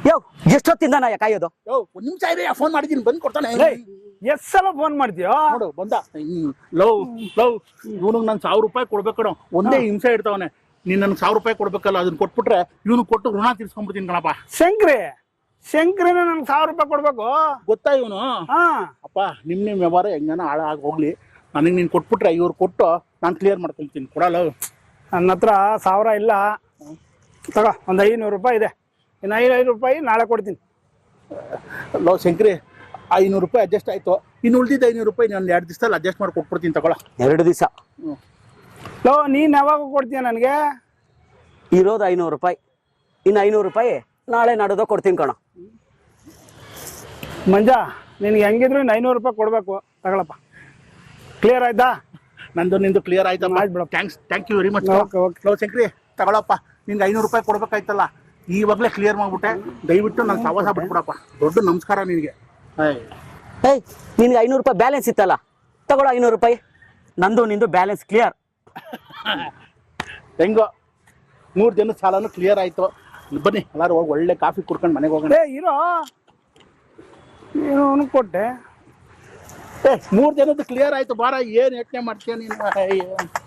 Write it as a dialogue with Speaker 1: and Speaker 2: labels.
Speaker 1: ಯೋ ಎಷ್ಟೊತ್ತಿಂದ ನಾ ಕಾಯೋದು?
Speaker 2: ಯೋ ಒಂದ್ ನಿಮಿಷ ಇದೆ, ಫೋನ್ ಮಾಡಿದ್ದೀನಿ, ಬಂದು ಕೊಡ್ತಾನೆ.
Speaker 3: ಎಷ್ಟ್ ಸಲ ಫೋನ್ ಮಾಡ್ತೀಯೋ?
Speaker 2: ನೋಡು ಬಂದ. ಲವ್ ಇವನಿಗೆ ನಾನು 1000 ರೂಪಾಯಿ ಕೊಡ್ಬೇಕು ಕಣೋ, ಒಂದೇ ಹಿಂಸೆ ಇಡ್ತಾವನೆ. ನೀನ್ ನನ್ಗೆ 1000 ರೂಪಾಯಿ ಕೊಡ್ಬೇಕಲ್ಲ, ಅದನ್ನ ಕೊಟ್ಬಿಟ್ರೆ ಇವನು ಕೊಟ್ಟು ಋಣ ತೀರ್ಸ್ಕೊಂಡ್ಬಿಡ್ತೀನಿ ಕಣಪ್ಪ.
Speaker 3: ಶಂಕ್ರಿನ ನನ್ಗೆ 1000 ರೂಪಾಯಿ ಕೊಡ್ಬೇಕು
Speaker 2: ಗೊತ್ತಾ ಇವನು?
Speaker 3: ಹಾ
Speaker 2: ಅಪ್ಪ ನಿಮ್ ವ್ಯವಹಾರ ಹೆಂಗನ ಹಾಳಾಗಿ ಹೋಗ್ಲಿ, ನನಗೆ ನೀನ್ ಕೊಟ್ಬಿಟ್ರೆ ಇವ್ರು ಕೊಟ್ಟು ನಾನು ಕ್ಲಿಯರ್ ಮಾಡ್ಕೊಂತೀನಿ. ಕೊಡಲ್ಲ
Speaker 3: ನನ್ನ ಹತ್ರ 1000 ಇಲ್ಲ, ತಗೋ ಒಂದು 500 ರೂಪಾಯಿ ಇದೆ. ಇನ್ನು 500 ರೂಪಾಯಿ ನಾಳೆ ಕೊಡ್ತೀನಿ.
Speaker 2: ಲೋ ಶಂಕ್ರಿ, 500 ರೂಪಾಯಿ ಅಡ್ಜಸ್ಟ್ ಆಯ್ತು, ಇನ್ನು ಉಳಿದಿದ್ದ 500 ರೂಪಾಯಿ ನಾನು 2 ದಿವಸದಲ್ಲಿ ಅಡ್ಜಸ್ಟ್ ಮಾಡಿ ಕೊಟ್ಬಿಡ್ತೀನಿ, ತಗೊಳ.
Speaker 1: 2 ದಿವಸ
Speaker 3: ಲೋ ನೀನ್ ಯಾವಾಗ ಕೊಡ್ತೀಯ ನನಗೆ?
Speaker 1: ಇರೋದು 500 ರೂಪಾಯಿ, ಇನ್ನು 500 ರೂಪಾಯಿ ನಾಳೆ ನಾಡೋದು ಕೊಡ್ತೀನಿ ಕಣ.
Speaker 3: ಮಂಜಾ ನಿನ್ಗೆ ಹೆಂಗಿದ್ರು ಇನ್ನು 500 ರೂಪಾಯಿ ಕೊಡ್ಬೇಕು, ತಗೊಳಪ್ಪ. ಕ್ಲಿಯರ್ ಆಯ್ತಾ?
Speaker 2: ನಂದು ನಿಂದು ಕ್ಲಿಯರ್ ಆಯ್ತಾ?
Speaker 3: ಆಯ್ತು,
Speaker 2: thank you very much.
Speaker 3: Okay.
Speaker 2: ಲೋ ಶಂಕ್ರಿ ತಗೊಳಪ್ಪ, ನಿನ್ಗೆ 500 ರೂಪಾಯಿ ಕೊಡ್ಬೇಕಾಯ್ತಲ್ಲ, ಈವಾಗಲೇ ಕ್ಲಿಯರ್ ಮಾಡ್ಬಿಟ್ಟೆ. ದಯವಿಟ್ಟು ನಾನು ಸವಾಸ ಬಿಟ್ಬಿಡಪ್ಪ, ದೊಡ್ಡ ನಮಸ್ಕಾರ ನಿನಗೆ.
Speaker 1: ಏಯ್ ನಿನ್ಗೆ 500 ರೂಪಾಯಿ ಬ್ಯಾಲೆನ್ಸ್ ಇತ್ತಲ್ಲ, ತಗೊಳ್ಳೋ 500 ರೂಪಾಯಿ. ನಂದು ನಿಂದು ಬ್ಯಾಲೆನ್ಸ್ ಕ್ಲಿಯರ್.
Speaker 2: ಹೆಂಗೋ 3 ಜನದ ಸಾಲನು ಕ್ಲಿಯರ್ ಆಯ್ತು. ಬನ್ನಿ ಎಲ್ಲಾರು ಹೋಗಿ ಒಳ್ಳೆ ಕಾಫಿ ಕುಡ್ಕೊಂಡು ಮನೆಗೆ ಹೋಗೋಣ.
Speaker 3: ಇರೋ ಏನು ಕೊಟ್ಟೆ?
Speaker 2: 3 ಜನದ್ದು ಕ್ಲಿಯರ್ ಆಯ್ತು, ಬಾರ. ಏನ್ ಯೋಚನೆ ಮಾಡ್ತೀಯ ನೀನು?